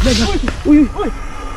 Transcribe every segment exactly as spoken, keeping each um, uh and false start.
Uy! Uy!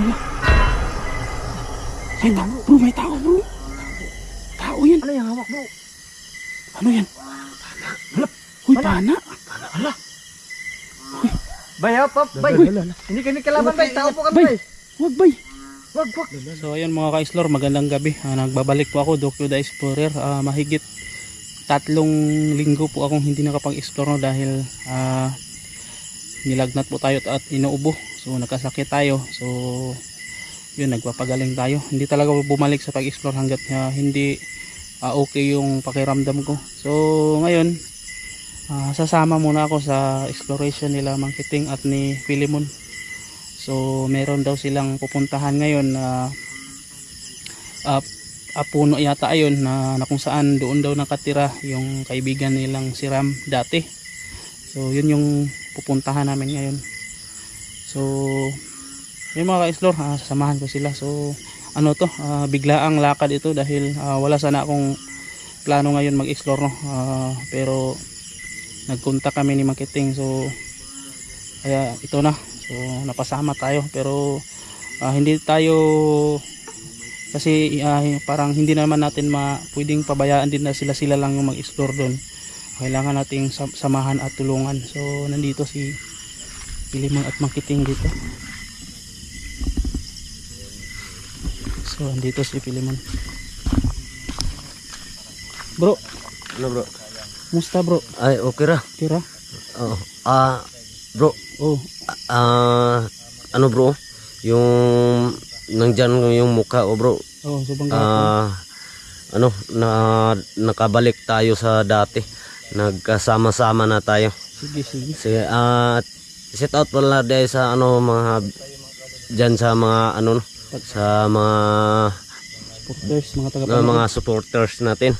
May tao bro, may tao bro. Tao yan. Ano yung hawak bro? Ano yan? Uy, pana. Hala. Bay, hop, hop, bay. Hindi kami kalaban bay, tao po kami bay. Wag bay. Wag, wag. So ayun mga ka-explore, magandang gabi. Ah, nagbabalik po ako, Dokyo the Explorer. Ah, mahigit tatlong linggo po akong hindi nakapag-explore no, dahil ah, nilagnat po tayo at inuubo. So nagkasakit tayo. So yun, nagpapagaling tayo. Hindi talaga bumalik sa pag-explore hanggat uh, hindi uh, okay yung pakiramdam ko. So ngayon, uh, sasama muna ako sa exploration nila Mang Kiting at ni Philemon. So meron daw silang pupuntahan ngayon na uh, uh, puno yata ayon na, na kung saan doon daw nakatira yung kaibigan nilang si Ram dati. So yun yung pupuntahan namin ngayon. So yung mga ka-explore, uh, sasamahan ko sila. So ano to, uh, biglaang lakad ito dahil uh, wala sana akong plano ngayon mag-explore no? uh, pero nagkontak kami ni Mang Kiting, so kaya ito na. So napasama tayo pero uh, hindi tayo kasi uh, parang hindi naman natin ma pwedeng pabayaan din na sila sila lang yung mag-explore doon. Kailangan nating samahan at tulungan. So nandito si Philemon at Mang Kiting dito. So andito si Philemon. Bro, Ano bro? musta bro? Ay, okay ra. Tira? Oo. Ah, bro. Oh, Ah, ano bro? Yung nandyan yung mukha oh bro. oh, subang Ah, ano, na nakabalik tayo sa dati. Nagkasama-sama na tayo. Sige, sige. Sige, ah, set out pala dahil sa ano mga dyan sa mga ano sa mga Supporters, mga taga uh, mga supporters natin.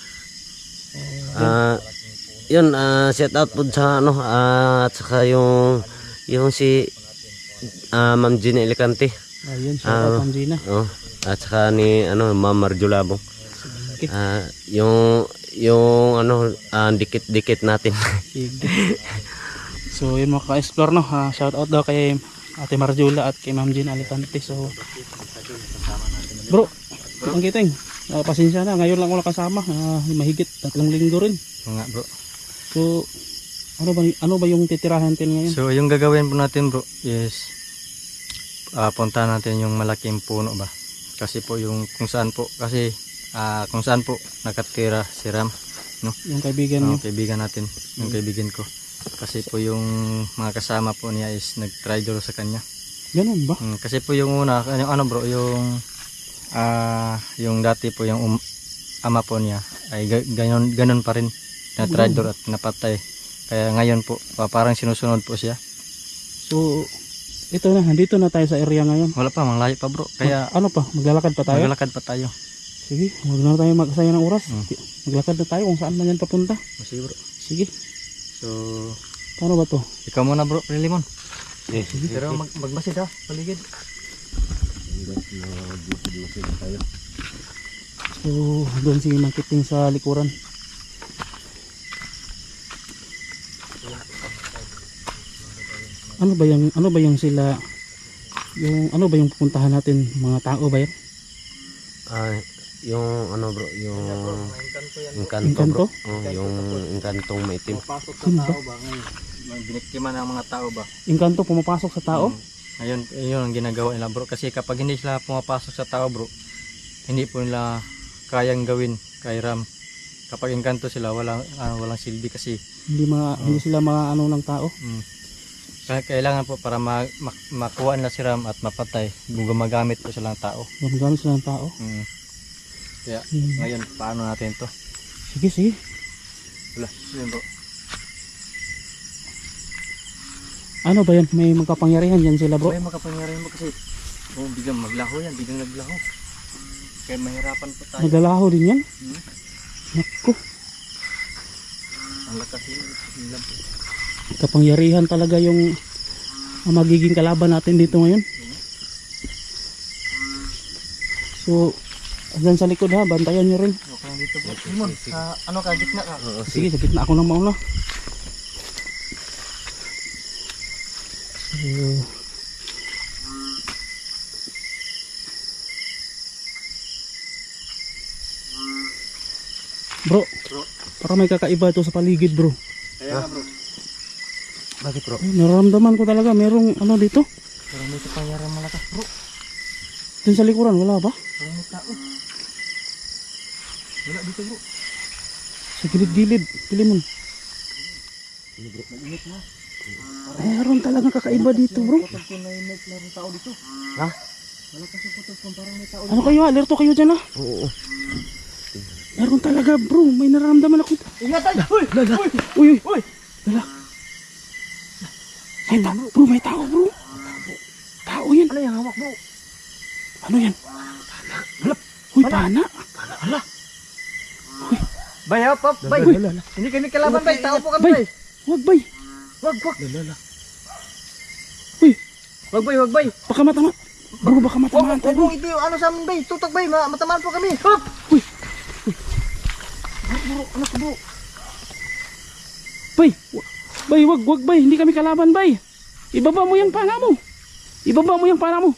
Ah, yun, ah, set out po sa ano ah, at saka yung yung si ah, Ma'am Gina Elicante. Ayun, shout Ah, out Ma'am Gina. Oh, at saka ni ano Ma'am Marjolabong. Okay. Ah, yung yung ano ah, dikit-dikit natin. Sige. So yun mga ka-explore no, uh, shout out daw kay Ate Marjula at kay Ma'am Gina Alicante. So bro, Mang Kiting, uh, pasensya na, ngayon lang ako nakasama, uh, mahigit tatlong linggo rin. Nga bro. So ano ba ano ba yung titirahan natin ngayon? So yung gagawin po natin bro is uh, punta natin yung malaking puno ba. Kasi po yung kung saan po kasi uh, kung saan po nakatira si Ram, no? Yung kaibigan Yung niyo. kaibigan natin, yung kaibigan ko. Kasi po yung mga kasama po niya is nag-try daw sa kanya. Ganun ba? Hmm, kasi po yung una, yung ano bro, yung ah yung dati po yung um, ama po niya ay ganon ganon pa rin na traitor at napatay. Kaya ngayon po parang sinusunod po siya. So ito na, nandito na tayo sa area ngayon. Wala pa, malayo pa bro. Kaya ano pa, maglalakad pa tayo? maglalakad pa tayo. Sige, huwag na tayo magsaya ng oras. Hmm. Maglakad na tayo kung saan man yan papunta. Sige bro. Sige, So paano ba to? ikaw muna bro, Philemon. Eh, Pero mag magbasid ha, paligid. So doon si Mang Kiting sa likuran. Ano ba yung ano ba yung sila yung ano ba yung pupuntahan natin, mga tao ba yan? ah, yung ano bro, yung engkanto Engkanto? bro. Oh, yung engkantong maitim. Pasok sa Sino ba? tao ba ngayon? Biniktima ng mga tao ba? Engkanto pumapasok sa tao? Ngayon, yun ang ginagawa nila bro. Kasi kapag hindi sila pumapasok sa tao bro, hindi po nila kayang gawin kay Ram. Kapag engkanto sila, walang, uh, walang silbi kasi. Hindi mga hindi sila mga ano ng tao. Mm, kaya kailangan po para ma ma makuha nila si Ram at mapatay, gumagamit po sila ng tao. Gumagamit sila ng tao. Mm. Kaya Hmm. ngayon, paano natin to? Sige, sige. Wala, yun bro. Ano ba yan? May magkapangyarihan yan sila bro? May makapangyarihan mo kasi oh, biglang maglaho yan, biglang naglaho. Kaya mahirapan po tayo. Naglalaho din yan? Hmm? Naku, Ang lakas nila po. kapangyarihan talaga yung ang magiging kalaban natin dito ngayon. So dyan sa likod ha, bantayan nyo rin. Okay lang dito bro. Simon, sa ano ka, gitna ka? Sige, sa gitna ako ng mauna. So Bro, para may kakaiba to sa paligid bro. Kaya nga bro. Bakit bro? Eh, nararamdaman ko talaga merong ano dito. Pero may kapangyarihan malakas bro. Dun sa likuran, wala ba? Parang may tao. Wala dito bro. Sa gilid-gilid, Pilimon. Meron talagang kakaiba dito bro. Kapag ko na yung may tao dito. Ha? Wala kasi putos kung parang may tao Ano kayo, alerto kayo dyan ha? Oo. Meron talaga bro, may nararamdaman ako. Ingat tayo! Uy! Uy! Uy, uy, Uy! Lala. May tao bro, may tao bro. Tao yan. Ano yung hawak bro? Ano yan? Uy, pana. Bay, hop, hop, bay! Hindi kami kalaban bay, tao po kami Bay. bay! Wag bay. Wag, wag! Uy, Wag bay, wag bay! baka matama. Bro, baka Wag, matamaan wag, tayo wag, bro. wag, ito yung ano sa amin bay! Tutok bay, ma matamaan po kami! Hop! Uy, Bro, bro, ano ka bro? bay. wa- Bay, wag, wag bay. Hindi kami kalaban bay. Ibaba mo yung pana mo. Ibaba mo yung pana mo.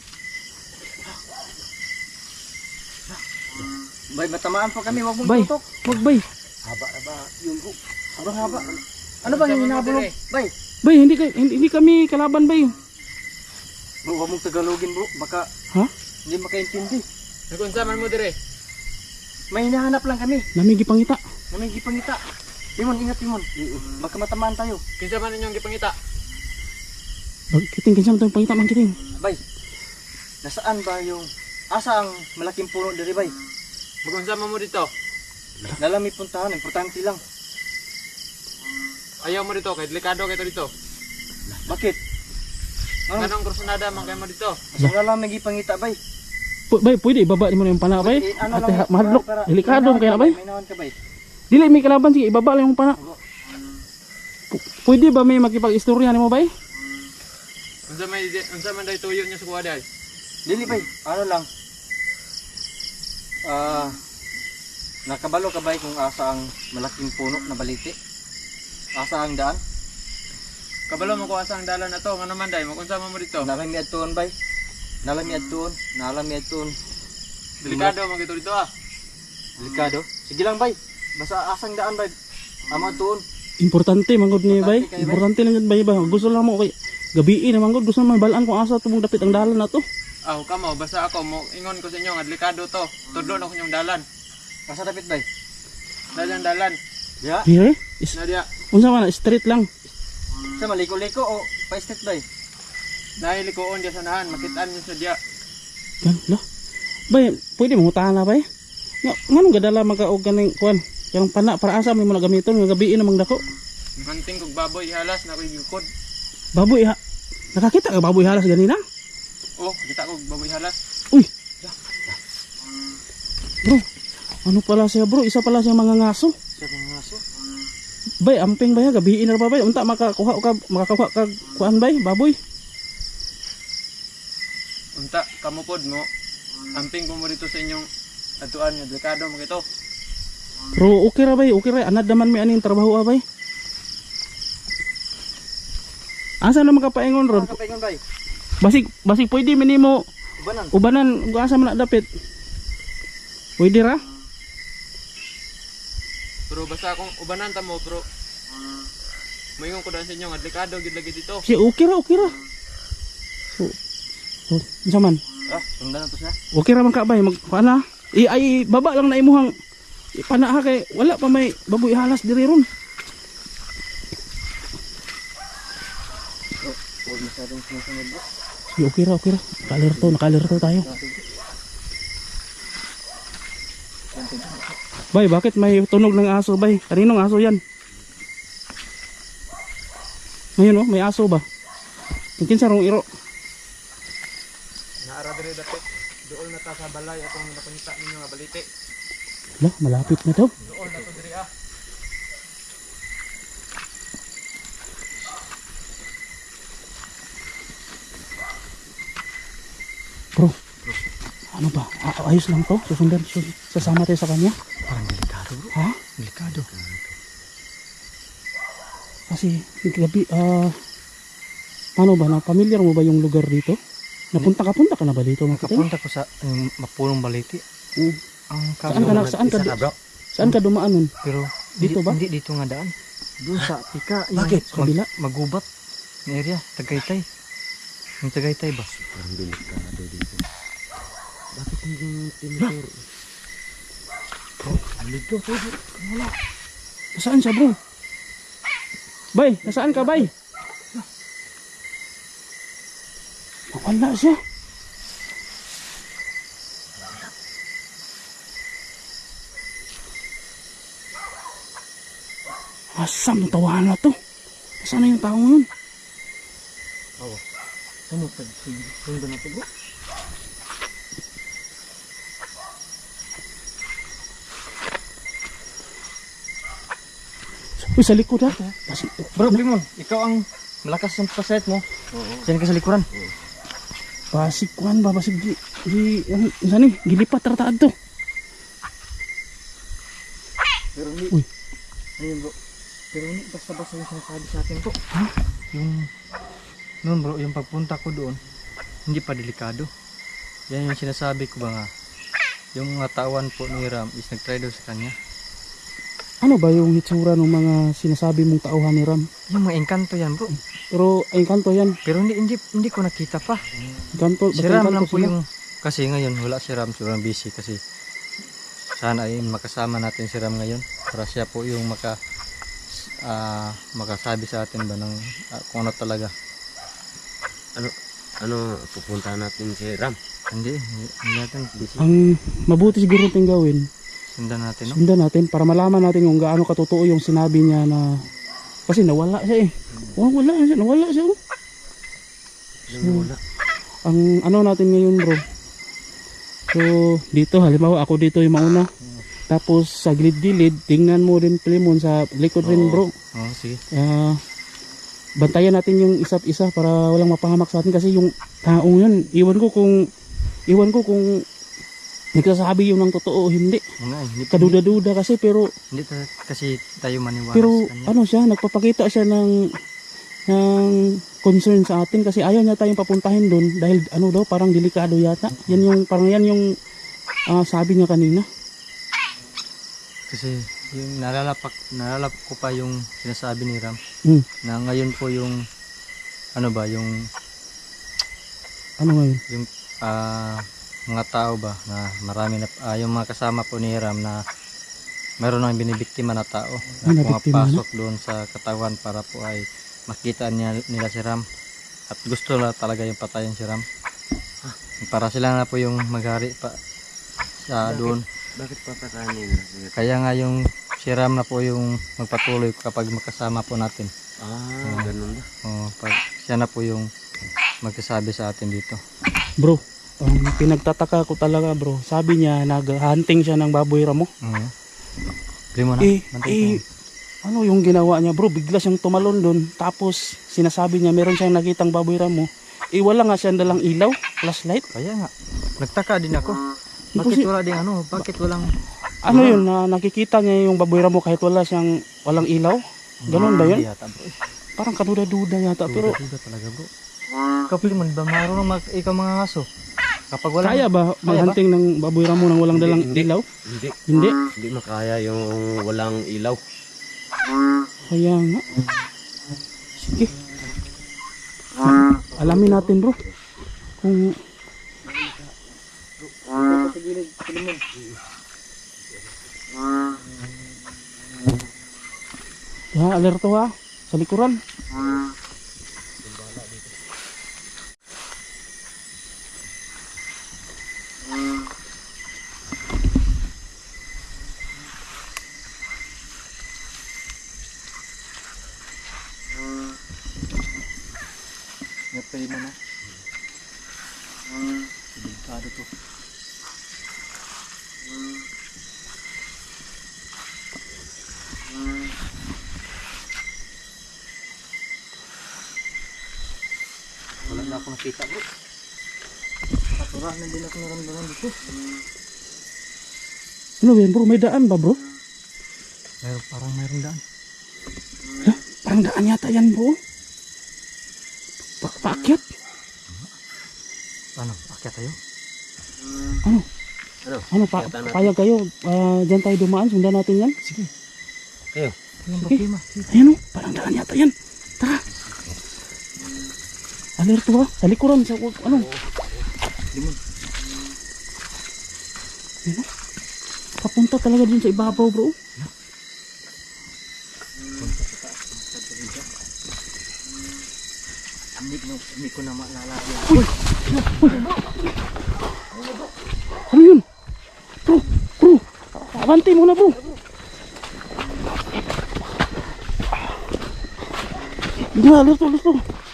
Bay, matamaan po kami, wag mong Bay, tutok! wag bay. Haba na ba yung bro? Sobrang haba! Ano ba yung hinahabol mo? Bay! Bay, hindi, ka- hindi, hindi kami kalaban bay. Bro, wag mong tagalogin bro, baka Ha? hindi makaintindi. Nagunsa man mo dire. May hinahanap lang kami, Namigi pangita. na may gipangita. Timon, ingat Timon, baka matamaan tayo. Kinsa man ninyong gipangita? Bag- Kiting, kinsa mo itong pangita man kiting. Bay, nasaan ba yung, asa ang malaking puno diri bay? Magunsa man mo dito. Nalami puntahan, importante lang. Ayaw mo dito kay delikado kay to dito. Bakit? Ano? Kanang krusnada man kay mo dito. Mas wala lang may gipangita bay. Pu- Bay, pwede ibaba mo na yung pana bay. Eh, ano Ate, lang, ha- mahadlok. para- Delikado may kaya na nawan bay. ka, May nawan ka bay. Dili may kalaban, sige ibaba lang yung pana. Pu- Pwede ba may makipag-istorya nimo bay? Unsa may unsa man day tuyo niya sa kuha day? Dili bay, ano lang. Ah, nakabalo ka bay kung asa ang malaking puno na baliti? Asa ang daan? Kabalo mo ko asa ang dalan na to, ngano man day, magunsa man mo dito. Nalami adtuon bay. Nalami adtuon, nalami adtuon. Delikado man kito dito ah. Delikado. Sige lang bay. Basta asang daan bay. Amo adtuon. Importante manggod ni bay. Importante kay bay. Importante lang yun bay ba. Gusto lang mo kay gabi na manggod, gusto naman balaan kung asa tumong dapit ang dalan na to. Ah, kamo basta ako mo ingon ko sa inyo nga delikado to. Tudlo na ko inyong dalan. Asa dapit bay? Dalan dalan. Ya. Dire? Is, Na diya. unsa man street lang. Sa maliko-liko o pa-state bay? Nahilikoon diya sa nahan, makitaan niyo sa diya. Gan, la. Bay, pwede mo utahan na bay. Nga, nganong gadala magka og ganing kuan. Yang pana para asa mo na gamiton nga gabi na mangdako. Manting kog baboy halas na ko gikod. Baboy ha. Nakakita ka baboy halas ganina? Oh, kita kog baboy halas. Uy. Bro, ano pala siya bro? Isa pala siya mga ngaso. Sa mga aso. Bay, amping bay ha, gabi na ba bay? Unta makakuha ka makakuha ka kuan bay, baboy. Unta kamo pod mo. Amping ko mo dito sa inyong atuan nga delikado mo kito. Pero okay ra bay, okay ra. Anad naman may aning trabaho ah bay. Asa na makapaingon ron? Ano kapaingon bay? Basig basig pwede minimo Ubanan. ubanan kung asa man na dapit. Pwede ra? Pero basta akong ubanan ta mo pero moingon ko daan sa inyo nga delikado gid lagi dito. Si okay ra, okay ra. So, so unsa man? Ah, sundan na to siya. Okay ra man ka bay, mag pana. I ay baba lang na imuhang ipana ha kay wala pa may baboy halas diri ron. Huwag masyadong sinasunod bro. Si okay ra, okay ra. Nakalerto, nakalerto tayo. Bay, bakit may tunog ng aso bay? Kaninong aso yan? Ngayon oh, may aso ba? Mungkin sa rong iro. Naara diri dapit. Duol na ta sa balay atong napangita ninyo nga balite. Lah, malapit na daw. Duol na to diri ah. Bro, ano ba? A- ayos lang to? Susundan, sus- sasama tayo sa kanya? Parang delikado bro. Ha? Delikado. Kasi gabi, ah, ano ba, na familiar mo ba yung lugar dito? Napunta ka, punta ka na ba dito? Mga kapatid? Kapunta ko sa um, mapulong baliti. Mm. Ang Saan ka na, saan ka, Isa ka bro? Saan ka dumaan nun? Pero Dito hindi, ba? Hindi dito nga daan. Doon sa tika. yung Bakit? Sa kabila? Magubat na area. Tagaytay. Yung Tagaytay ba? Parang delikado dito. Bakit hindi mo tinuturo? Dito, dito. Wala. Nasaan siya bro? Bay, nasaan ka bay? Wala siya. Asam ng tawahan na to. Nasaan na yung tao yun? Ano pa? Sundo na ito bro. Uy, sa likod ha. Basi, Bro, Blimon, ikaw ang malakas ng pasayat mo. Oo. Diyan ka sa likuran. basig kuhan ba? Basig di, di, ano, saan eh? Gilipat rataad to. Pero hindi. Uy. Ayun bro. Pero hindi basta-basta yung sinasabi sa akin bro. Ha? Yung, noon bro, yung pagpunta ko doon, hindi pa delikado. Yan yung sinasabi ko ba nga. Yung mga tawan po ni Ram is nag-try daw sa kanya. Ano ba yung hitsura ng mga sinasabi mong tauhan ni Ram? Yung mga engkanto yan bro. Pero ay kanto yan. Pero hindi hindi hindi ko nakita pa. Kanto, Si basta Ram kanto lang po sila. yung kasi ngayon wala si Ram, sobrang busy kasi sana ay makasama natin si Ram ngayon para siya po yung maka ah, makasabi sa atin ba ng ah, kung ano talaga. Ano, ano, pupunta natin si Ram. Hindi, hindi, hindi natin busy. Ang mabuti siguro natin gawin, Sundan natin no. sundan natin para malaman natin kung gaano katotoo yung sinabi niya na kasi nawala siya eh. Oh, wala siya, nawala siya. Oh. Ano, wala. Ang ano natin ngayon bro. So dito halimbawa ako dito yung mauna. Tapos sa gilid-gilid, tingnan mo rin Plimon sa likod rin bro. Oh, sige. Ah, bantayan natin yung isa't isa para walang mapahamak sa atin kasi yung taong yun, iwan ko kung iwan ko kung nagsasabi yun ng totoo o hindi. Nga, hindi, Kaduda-duda kasi pero hindi ta- kasi tayo maniwala pero sa kanya. ano siya, nagpapakita siya ng ng concern sa atin kasi ayaw niya tayong papuntahin doon dahil ano daw parang delikado yata. Yan yung parang yan yung ah, sabi niya kanina. Kasi yung nalalapak, nalalap ko pa yung sinasabi ni Ram Hmm. na ngayon po yung ano ba, yung Ano ngayon? yung ah, mga tao ba na marami na ah, yung mga kasama po ni Ram na mayroon nang binibiktima na tao na Binibiktima pumapasok doon sa katawan para po ay makita niya, nila si Ram at gusto na talaga yung patayin si Ram para sila na po yung maghari pa sa doon. Bakit papatayin nila si Ram? Kaya nga yung si Ram na po yung magpatuloy kapag makasama po natin. Ah, ganun ba? O, pag siya na po yung magsasabi sa atin dito. Bro, ang pinagtataka ko talaga bro, sabi niya nag-hunting siya ng baboy ramo. Oo. Bili mo na. Eh, Bantay eh, ko. ano yung ginawa niya bro? Bigla siyang tumalon doon. Tapos sinasabi niya meron siyang nakitang baboy ramo. Eh wala nga siyang dalang ilaw, flashlight. Kaya nga. Nagtaka din ako. Bakit Kasi- wala din ano? Bakit walang... Ano yun na nakikita niya yung baboy ramo kahit wala siyang walang ilaw? Ganun ba yun? Hindi yata bro. Parang kaduda-duda yata pero Duda talaga bro. Kapil mo, ba marunong mag ikaw mga aso? Kapag wala... kaya ba mag-hunting ng baboy ramo nang walang dalang Hindi, hindi. ilaw? Hindi. Hindi. Hindi makaya yung walang ilaw. Kaya nga. Sige. Alamin natin bro. Kung ya, alerto ha. Sa likuran. Napay mo na. Delikado to. Wala na ako nakita bro. Katurahan na din ako naramdaman dito. Ano yan bro? May daan ba bro? Meron, parang mayroong daan. Ha? Parang daan yata yan bro. Pa paakyat? Ano? Akyat tayo? Ano? Ano? Ano, pa, Kaya natin. payag kayo. Ah, dyan tayo dumaan. Sundan natin yan. Sige. Kayo. Sige. Ayan o, parang daan yata yan. Tara. Alerto ha. Sa likuran. Sa, ano? Ayan o. Papunta talaga dun sa ibabaw bro. Hindi ko na maalala. Uy! Uy! Ano yun? Bro! Bro! Abante muna bro! Hindi na, alerto, alerto.